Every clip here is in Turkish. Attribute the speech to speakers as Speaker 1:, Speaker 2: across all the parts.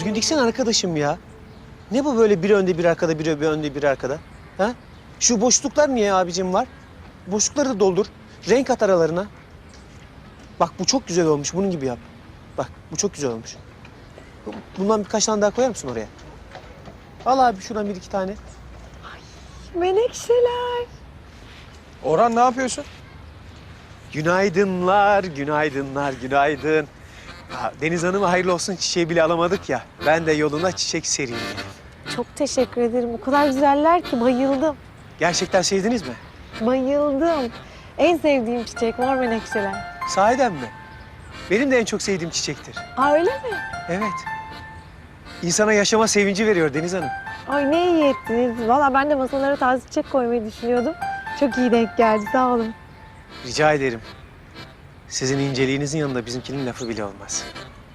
Speaker 1: düzgün diksene arkadaşım ya. Ne bu böyle biri önde biri arkada, biri önde biri arkada? Ha? Şu boşluklar niye abicim var? Boşlukları da doldur. Renk at aralarına. Bak bu çok güzel olmuş. Bunun gibi yap. Bak bu çok güzel olmuş. Bundan birkaç tane daha koyar mısın oraya? Al abi şuradan bir iki tane.
Speaker 2: Menekşeler.
Speaker 3: Orhan ne yapıyorsun?
Speaker 1: Günaydınlar, günaydınlar, günaydın. Ya, Deniz Hanım'a hayırlı olsun çiçeği bile alamadık ya. Ben de yoluna çiçek sereyim dedim.
Speaker 2: Çok teşekkür ederim. O kadar güzeller ki bayıldım.
Speaker 1: Gerçekten sevdiniz mi?
Speaker 2: Bayıldım. En sevdiğim çiçek mor menekşeler.
Speaker 1: Sahiden mi? Benim de en çok sevdiğim çiçektir.
Speaker 2: Aa öyle mi?
Speaker 1: Evet. İnsana yaşama sevinci veriyor Deniz Hanım.
Speaker 2: Ay ne iyi ettiniz. Valla ben de masalara taze çiçek koymayı düşünüyordum. Çok iyi denk geldi. Sağ olun.
Speaker 1: Rica ederim. Sizin inceliğinizin yanında bizimkinin lafı bile olmaz.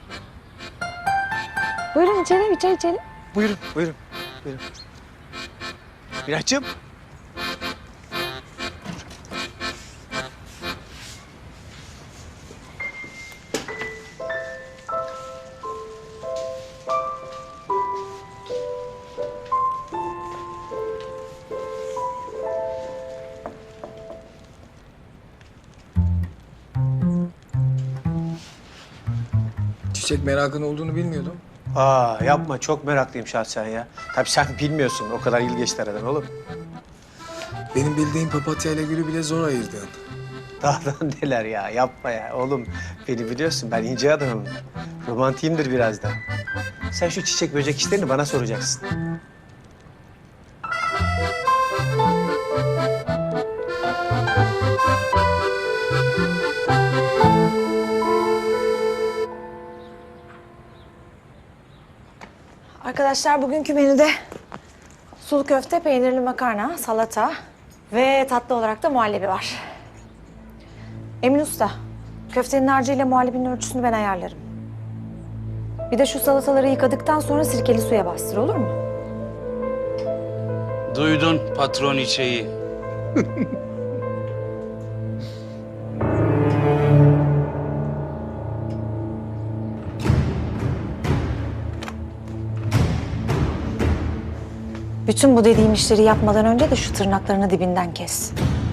Speaker 2: Buyurun içelim, bir çay içelim.
Speaker 1: Buyurun, buyurun, buyurun. Miraç'cığım.
Speaker 3: Çiçek merakın olduğunu bilmiyordum.
Speaker 1: Aa yapma, çok meraklıyım şahsen ya. Tabii sen bilmiyorsun, o kadar yıl geçti aradan oğlum.
Speaker 3: Benim bildiğim papatya ile gülü bile zor ayırdın.
Speaker 1: Daha da neler ya, yapma ya. Oğlum beni biliyorsun, ben ince adamım. Romantiyimdir biraz da. Sen şu çiçek böcek işlerini bana soracaksın.
Speaker 2: Arkadaşlar bugünkü menüde sulu köfte, peynirli makarna, salata ve tatlı olarak da muhallebi var. Emin Usta, köftenin harcıyla muhallebinin ölçüsünü ben ayarlarım. Bir de şu salataları yıkadıktan sonra sirkeli suya bastır, olur mu?
Speaker 4: Duydun patron içeyi.
Speaker 2: Bütün bu dediğim işleri yapmadan önce de şu tırnaklarını dibinden kes.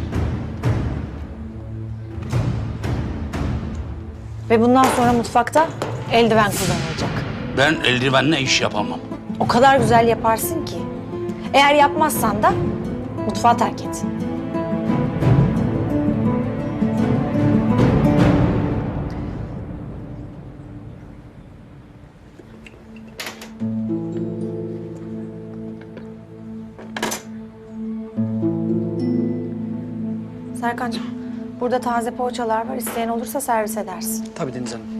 Speaker 2: Ve bundan sonra mutfakta eldiven kullanılacak.
Speaker 4: Ben eldivenle iş yapamam.
Speaker 2: O kadar güzel yaparsın ki. Eğer yapmazsan da mutfağı terk et. Serkancığım, burada taze poğaçalar var. İsteyen olursa servis edersin.
Speaker 1: Tabii Deniz Hanım.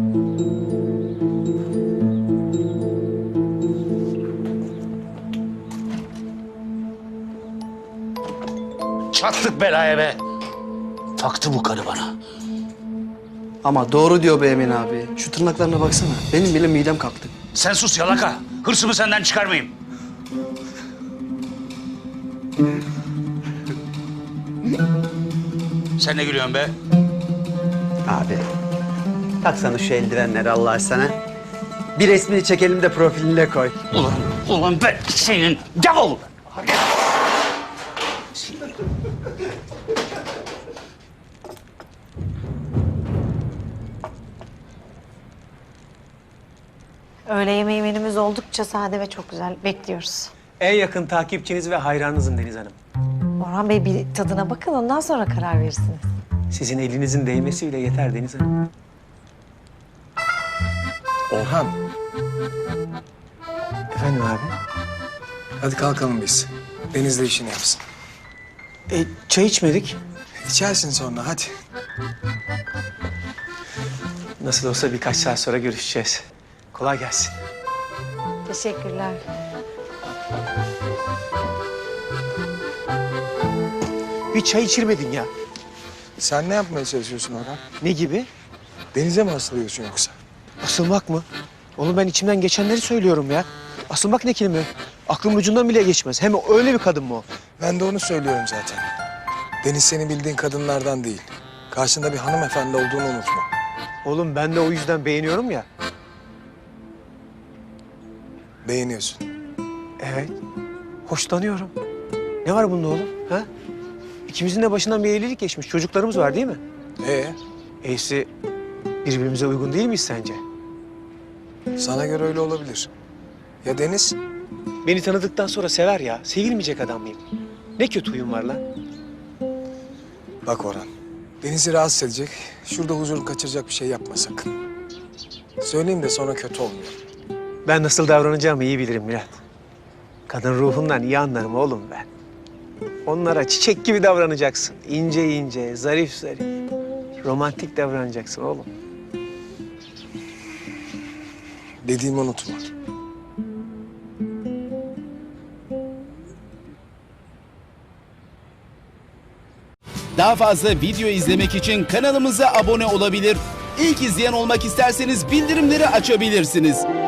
Speaker 4: Çattık belaya be. Taktı bu karı bana.
Speaker 5: Ama doğru diyor be Emin abi. Şu tırnaklarına baksana. Benim bile midem kalktı.
Speaker 4: Sen sus yalaka. Hırsımı senden çıkarmayayım. Sen ne gülüyorsun be?
Speaker 6: Abi, taksana şu eldivenleri Allah aşkına. Bir resmini çekelim de profiline koy.
Speaker 4: Ulan ben senin davul.
Speaker 2: Öğle yemeği menümüz oldukça sade ve çok güzel. Bekliyoruz.
Speaker 1: En yakın takipçiniz ve hayranınızım Deniz Hanım.
Speaker 2: Orhan Bey bir tadına bakın, ondan sonra karar verirsiniz.
Speaker 1: Sizin elinizin değmesi bile yeter Deniz Hanım.
Speaker 3: Orhan,
Speaker 1: Efendim abi?
Speaker 3: hadi kalkalım biz. Deniz de işini yapsın.
Speaker 1: Çay içmedik.
Speaker 3: İçersin sonra, hadi.
Speaker 1: Nasıl olsa birkaç saat sonra görüşeceğiz. Kolay gelsin.
Speaker 2: Teşekkürler.
Speaker 1: Bir çay içirmedin ya.
Speaker 3: Sen ne yapmaya çalışıyorsun Orhan?
Speaker 1: Ne gibi?
Speaker 3: Denize mi asılıyorsun yoksa?
Speaker 1: Asılmak mı? Oğlum ben içimden geçenleri söylüyorum ya. Asılmak ne kelime? Aklımın ucundan bile geçmez. Hem öyle bir kadın mı o?
Speaker 3: Ben de onu söylüyorum zaten. Deniz senin bildiğin kadınlardan değil. Karşında bir hanımefendi olduğunu unutma.
Speaker 1: Oğlum ben de o yüzden beğeniyorum ya.
Speaker 3: Beğeniyorsun.
Speaker 1: Evet. Hoşlanıyorum. Ne var bunda oğlum? Ha? İkimizin de başından bir evlilik geçmiş. Çocuklarımız var değil mi? Eysi birbirimize uygun değil miyiz sence?
Speaker 3: Sana göre öyle olabilir. Ya Deniz?
Speaker 1: Beni tanıdıktan sonra sever ya. Sevilmeyecek adam mıyım? Ne kötü huyum var lan.
Speaker 3: Bak Orhan, Deniz'i rahatsız edecek, şurada huzurunu kaçıracak bir şey yapma sakın. Söyleyeyim de sonra kötü olmuyor.
Speaker 1: Ben nasıl davranacağımı iyi bilirim Murat. Kadın ruhundan iyi anlarım oğlum ben. Onlara çiçek gibi davranacaksın. İnce ince, zarif zarif. Romantik davranacaksın oğlum.
Speaker 3: Dediğimi unutma.
Speaker 7: Daha fazla video izlemek için kanalımıza abone olabilir. İlk izleyen olmak isterseniz bildirimleri açabilirsiniz.